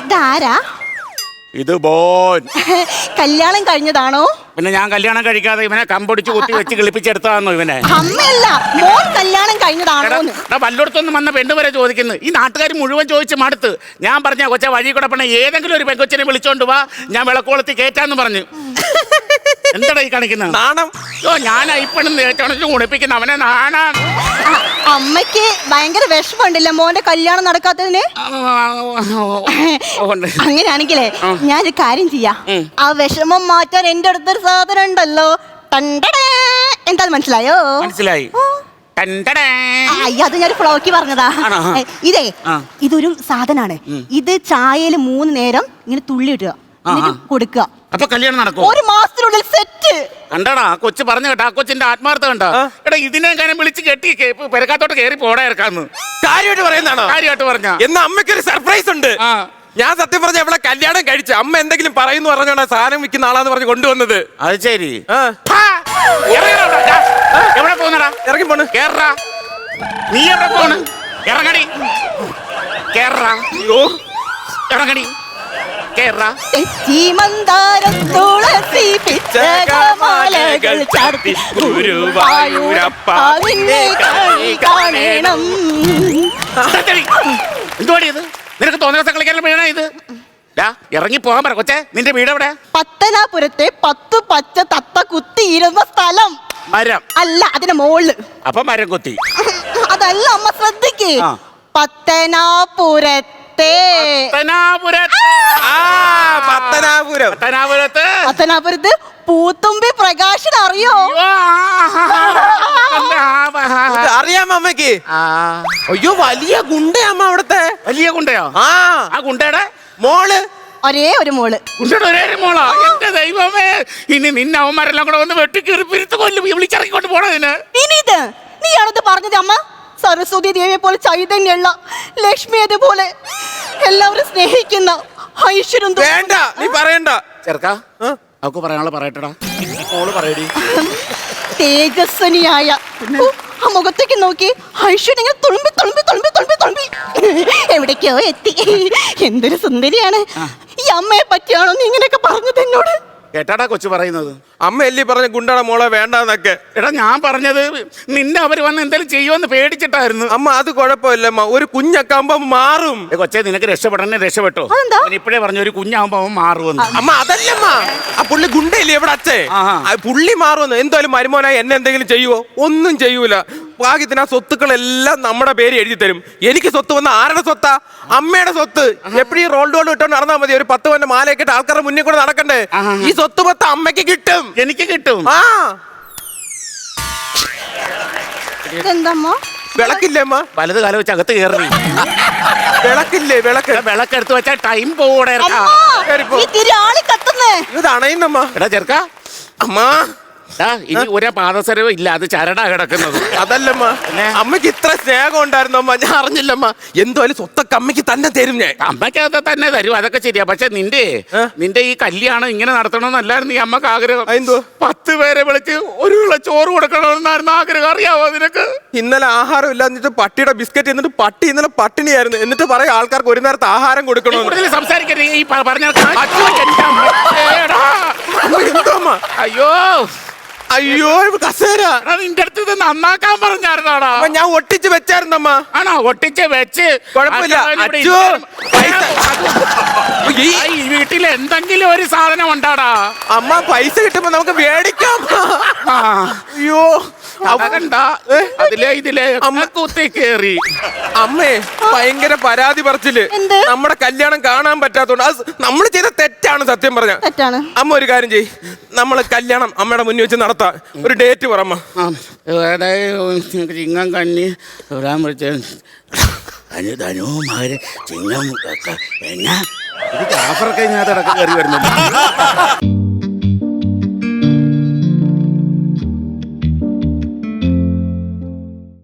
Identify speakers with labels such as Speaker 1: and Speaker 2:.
Speaker 1: ഇതാരാ?
Speaker 2: ഇത് ബോൻ.
Speaker 1: കല്യാണം കഴിഞ്ഞതാണോ?
Speaker 2: പിന്നെ ഞാൻ കല്യാണം കഴിക്കാതെ ഇവനെ കമ്പൊടിച്ച് കുത്തി വെച്ച് കിളിപ്പിച്ചെടുത്താന്നോ ഇവനെ?
Speaker 1: അമ്മയല്ല, മോൻ കല്യാണം കഴിഞ്ഞതാണോ?
Speaker 2: വല്ലയിടത്തൊന്നും വന്ന പെണ്ണ് വരെ ചോദിക്കുന്നു. ഈ നാട്ടുകാർ മുഴുവൻ ചോദിച്ച് മടുത്ത്. ഞാൻ പറഞ്ഞ കൊച്ച വഴി കൂടെ പണ ഏതെങ്കിലും ഒരു പെങ്കൊച്ചിനെ വിളിച്ചോണ്ട് വാ, ഞാൻ വിളക്കോളത്തി കേറ്റാന്ന് പറഞ്ഞു. എന്താടാ ഈ കാണിക്കുന്നത്?
Speaker 3: നാണം.
Speaker 2: ഞാൻ ഇപ്പഴും നേറ്റോണിച്ച് കുണിപ്പിക്കുന്ന അവനെ നാണാണ്.
Speaker 1: അമ്മയ്ക്ക് ഭയങ്കര വിഷമമുണ്ടല്ലോ മോന്റെ കല്യാണം നടക്കാത്തതിന്. അങ്ങനെയാണെങ്കിലേ ഞാനൊരു കാര്യം ചെയ്യാം. ആ വിഷമം മാറ്റാൻ എന്റെ അടുത്തൊരു സാധനം ഉണ്ടല്ലോ. എന്താ മനസ്സിലായോ?
Speaker 2: മനസ്സിലായി.
Speaker 1: അത് ഞാൻ ഫ്ലോക്കി പറഞ്ഞതാ. ഇതൊരു സാധനാണ്. ഇത് ചായയില് 3 നേരം ഇങ്ങനെ തുള്ളി ഇടുക, കൊടുക്കുക.
Speaker 2: അപ്പൊ കല്യാണം നടക്കും
Speaker 1: 1 മാസത്തിനുള്ളിൽ സെറ്റ്.
Speaker 2: കണ്ടടാ കൊച്ചു പറഞ്ഞു കേട്ടോ. ആ കൊച്ചിന്റെ ആത്മാർത്ഥ കണ്ടോ? എടാ ഇതിനെ കാര്യം വിളിച്ച് കെട്ടി പെരക്കാത്തോട്ട് കയറി പോടാ ഇറക്കാന്ന്.
Speaker 3: കാര്യമായിട്ട് പറയുന്നതാണോ?
Speaker 2: കാര്യമായിട്ട് പറഞ്ഞ
Speaker 3: എന്നാ അമ്മയ്ക്കൊരു സർപ്രൈസ് ഉണ്ട്. ഞാൻ സത്യം പറഞ്ഞ ഇവിടെ കല്യാണം കഴിച്ചു. അമ്മ എന്തെങ്കിലും പറയുന്നു പറഞ്ഞോണ്ടാ സാധനം വിൽക്കുന്ന ആളാന്ന് പറഞ്ഞ് കൊണ്ടുവന്നത്.
Speaker 2: അത് ശരി. എവിടെ പോന്നടാ?
Speaker 3: ഇറങ്ങി പോണ്.
Speaker 2: കേറാ. നീ എവിടെ പോണ്? ഇറങ്ങടി. കേറാ.
Speaker 3: അയ്യോ
Speaker 2: ഇറങ്ങടി. കേറാ. എന്തുവാടി ഇത്? നിനക്ക് തോന്നിയ ദിവസം കളിക്കാൻ വീണ ഇത്? ഇറങ്ങി പോകാൻ പറ കൊച്ചേ. നിന്റെ വീട് എവിടെ?
Speaker 1: പത്തനാപുരത്തെ 10 പച്ച തത്ത കുത്തിയിരുന്ന സ്ഥലം.
Speaker 2: മരം
Speaker 1: അല്ല, അതിന്റെ മോള്.
Speaker 2: അപ്പൊ മരം കൊത്തി.
Speaker 1: അതല്ല അമ്മ, ശ്രദ്ധിക്ക്. പത്തനാപുരത്ത് പൂത്തുമ്പി പ്രകാശിന് അറിയോ?
Speaker 3: അറിയാമോ അമ്മക്ക്? അയ്യോ വലിയ ഗുണ്ടയമ്മ അവിടത്തെ.
Speaker 2: വലിയ ഗുണ്ടയോ? ആ ഗുണ്ടയുടെ മോള്.
Speaker 1: ഒരേ ഒരു മോള്.
Speaker 2: ഗുണ്ടയുടെ ഒരേ ഒരു മോളാ? എന്റെ ദൈവമേ, ഇനി നിന്നെ അവന്മാരെല്ലാം കൂടെ വന്ന് വെട്ടിക്കേറി പിരുത്ത് കൊല്ലും. വിളിച്ചിറങ്ങിക്കൊണ്ട് പോണതിന്.
Speaker 1: നീയാണത് പറഞ്ഞത് അമ്മ. സരസ്വതി ദേവിയെ പോലെ ചൈതന്യുള്ള, ലക്ഷ്മി അതുപോലെ എല്ലാവരും സ്നേഹിക്കുന്ന ഐശ്വര്യം.
Speaker 3: വേണ്ട, നീ പറയണ്ട.
Speaker 2: ചെറുക്കാ, അവക്ക് പറയാനുള്ള പറയട്ടടാ. മോള് പറയടി.
Speaker 1: തേജസ്വനിയായ ആ മുഖത്തേക്ക് നോക്കി ഐശ്വര്യം ഇങ്ങനെ തുളുമ്പി തുളുമ്പി തുളുമ്പി തുളുമ്പി തുളുമ്പി എവിടേക്കോ എത്തി. എന്തൊരു സുന്ദരിയാണ്. ഈ അമ്മയെ പറ്റിയാണോ നീ ഇങ്ങനെയൊക്കെ പറഞ്ഞത് എന്നോട്?
Speaker 2: കേട്ടാടാ കൊച്ചു പറയുന്നത്.
Speaker 3: അമ്മ എല്ലി പറഞ്ഞ ഗുണ്ടയുടെ മോളെ വേണ്ടെന്നൊക്കെ.
Speaker 2: എടാ ഞാൻ പറഞ്ഞത് നിന്നെ അവര് വന്ന് എന്തെങ്കിലും ചെയ്യുമെന്ന് പേടിച്ചിട്ടായിരുന്നു.
Speaker 3: അമ്മ അത് കുഴപ്പമില്ലമ്മ, ഒരു കുഞ്ഞൊക്കെ ആകുമ്പോ മാറും.
Speaker 2: കൊച്ചെ നിനക്ക് രക്ഷപ്പെടണേ രക്ഷപ്പെട്ടോ. ഇപ്പഴേ പറഞ്ഞു ഒരു കുഞ്ഞാകുമ്പോ അവൻ മാറുമെന്ന്.
Speaker 3: അമ്മ അതല്ലമ്മ, ആ പുള്ളി ഗുണ്ടയില്ലേ ഇവിടെ അച്ഛേ, പുള്ളി മാറുമെന്ന്. എന്തായാലും മരുമോനായി എന്നെ എന്തെങ്കിലും ചെയ്യുവോ? ഒന്നും ചെയ്യൂല. ഭാഗ്യത്തിന് ആ സ്വത്തുക്കളെല്ലാം നമ്മുടെ പേര് എഴുതി തരും. എനിക്ക് സ്വത്ത് വന്ന ആരുടെ സ്വത്താ? അമ്മയുടെ സ്വത്ത്. എപ്പോഴും റോൾ ഡോൾ ഇട്ടോണ്ട് നടന്നാൽ മതി. ഒരു 10 പവന്റെ മാലയൊക്കെ ഇട്ട് ആൾക്കാരുടെ മുന്നിൽ കൂടെ നടക്കണ്ടേ? ഈ സ്വത്ത് മൊത്തം അമ്മയ്ക്ക് കിട്ടും,
Speaker 2: എനിക്ക് കിട്ടും.
Speaker 1: എന്തമ്മ
Speaker 3: വിളക്കില്ലേ അമ്മ?
Speaker 2: വലത് കാലം വെച്ച് അകത്ത് കയറി.
Speaker 3: വിളക്കില്ലേ?
Speaker 2: വിളക്കെടുത്ത് വെച്ചാ ടൈം പോകൂടെ.
Speaker 3: ഇത് അണയുന്നമ്മ.
Speaker 2: എടാ ചെറുക്ക,
Speaker 3: അമ്മ
Speaker 2: ഇനി ഒരു പാദസരവും ഇല്ല, അത് ചരടാ കിടക്കുന്നത്.
Speaker 3: അതല്ലമ്മ, അമ്മയ്ക്ക് ഇത്ര സ്നേഹം ഉണ്ടായിരുന്നു അമ്മ, ഞാൻ അറിഞ്ഞില്ലമ്മ. എന്തായാലും സ്വത്തൊക്കെ അമ്മയ്ക്ക് തന്നെ തരും ഞാൻ.
Speaker 2: അമ്മയ്ക്ക് അത് തന്നെ തരും, അതൊക്കെ ശരിയാ. പക്ഷെ നിന്റെ ഈ കല്യാണം ഇങ്ങനെ നടത്തണമെന്നല്ലായിരുന്നു ഈ അമ്മക്ക് ആഗ്രഹം. 10 പേരെ വിളിച്ച് ഒരു ചോറ് കൊടുക്കണമെന്നായിരുന്നു ആഗ്രഹം. അറിയാവോ നിനക്ക്?
Speaker 3: ഇന്നലെ ആഹാരം ഇല്ല എന്നിട്ട് പട്ടിയുടെ ബിസ്ക്കറ്റ് എന്നിട്ട് പട്ടി ഇന്നലെ പട്ടിണിയായിരുന്നു. എന്നിട്ട് പറയാം ആൾക്കാർക്ക് ഒരു നേരത്തെ ആഹാരം കൊടുക്കണോ.
Speaker 2: സംസാരിക്കരുത് ഈ പറഞ്ഞ. അയ്യോ
Speaker 3: അയ്യോ കസേര
Speaker 2: നിന്റെ അടുത്ത് ഇത് നന്നാക്കാൻ പറഞ്ഞായിരുന്നാടാ?
Speaker 3: ഞാൻ ഒട്ടിച്ച് വെച്ചായിരുന്നമ്മ.
Speaker 2: ആണോ? ഒട്ടിച്ച് വെച്ച്
Speaker 3: കുഴപ്പമില്ല.
Speaker 2: ഈ വീട്ടിൽ എന്തെങ്കിലും ഒരു സാധനം ഉണ്ടാടാ?
Speaker 3: അമ്മ പൈസ കിട്ടുമ്പോ നമുക്ക് മേടിക്കാം. അയ്യോ
Speaker 2: ഇതിലെ അമ്മ കുത്തി കേറി.
Speaker 3: അമ്മേ ഭയങ്കര പരാതി പറച്ചില്. നമ്മുടെ കല്യാണം കാണാൻ പറ്റാത്തോണ്ട് അത് നമ്മൾ ചെയ്ത തെറ്റാണ്. സത്യം പറഞ്ഞ അമ്മ ഒരു കാര്യം ചെയ്യ്, നമ്മള് കല്യാണം അമ്മയുടെ മുന്നിൽ വെച്ച് നടത്താം. ഒരു ഡേറ്റ് പറമ്മ.
Speaker 2: ചിങ്ങം കന്നി വരാൻ വിളിച്ച ധനുമാര് ചിങ്ങം എന്നാ ഇത് ആഫറൊക്കെ ഇതിനകത്ത് ഇടക്ക് കയറി വരുന്നുണ്ട്.